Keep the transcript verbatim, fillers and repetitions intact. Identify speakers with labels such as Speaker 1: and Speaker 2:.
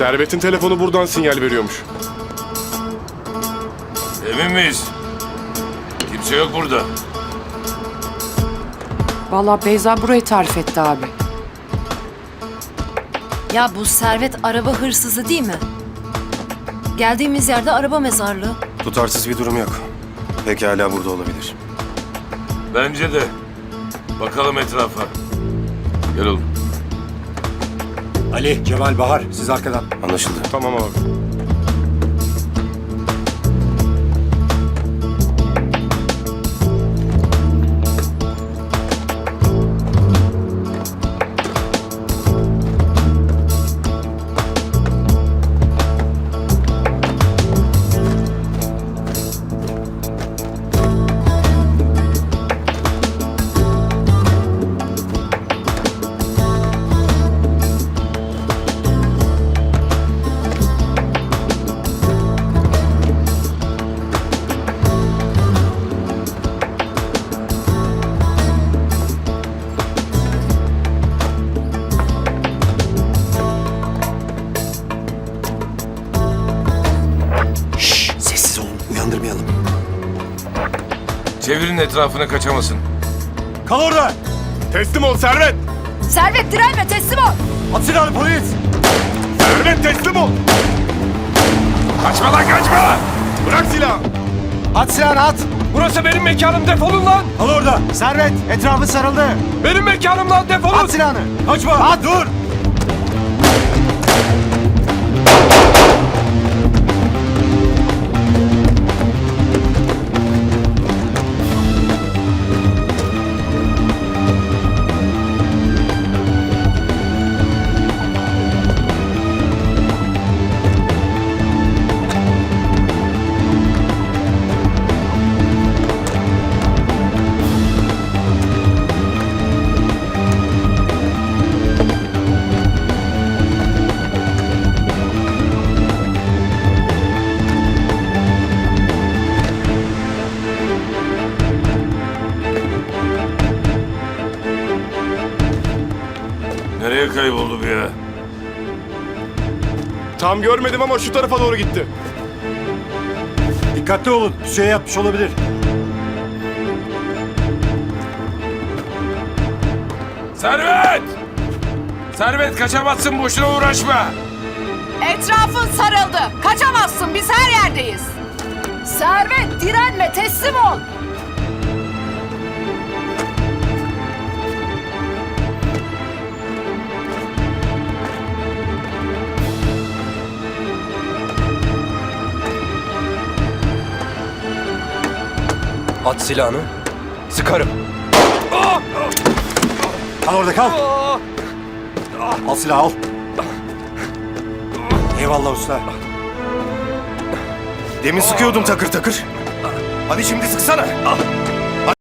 Speaker 1: Servet'in telefonu buradan sinyal veriyormuş.
Speaker 2: Emin miyiz? Kimse yok burada.
Speaker 3: Vallahi Beyza burayı tarif etti abi.
Speaker 4: Ya bu Servet araba hırsızı değil mi? Geldiğimiz yerde araba mezarlığı.
Speaker 5: Tutarsız bir durum yok. Pekala burada olabilir.
Speaker 2: Bence de. Bakalım etrafa. Gel oğlum.
Speaker 6: Ali, Cemal, Bahar siz arkadan.
Speaker 5: Anlaşıldı.
Speaker 1: Tamam abi.
Speaker 5: Şşş, sessiz olun. Uyandırmayalım.
Speaker 2: Çevirin etrafına kaçamasın.
Speaker 6: Kal orada!
Speaker 1: Teslim ol Servet!
Speaker 4: Servet direnme, teslim ol.
Speaker 6: At silahını polis!
Speaker 1: Servet teslim ol!
Speaker 2: Kaçma lan kaçma!
Speaker 1: Bırak silahı!
Speaker 6: At silahını at!
Speaker 7: Burası benim mekanım, defolun lan!
Speaker 6: Kal orada! Servet, etrafı sarıldı!
Speaker 7: Benim mekanım lan, defolun!
Speaker 6: At silahını! Kaçma! At! Dur!
Speaker 2: Nereye kayboldu bu ya?
Speaker 1: Tam görmedim ama şu tarafa doğru gitti.
Speaker 6: Dikkatli olun, şey yapmış olabilir.
Speaker 2: Servet! Servet kaçamazsın, boşuna uğraşma.
Speaker 4: Etrafın sarıldı. Kaçamazsın, biz her yerdeyiz. Servet direnme, teslim ol.
Speaker 7: At silahını, sıkarım.
Speaker 6: Kal orada kal! Al silahı al! Eyvallah usta.
Speaker 5: Demin sıkıyordum takır takır. Hadi şimdi sıksana.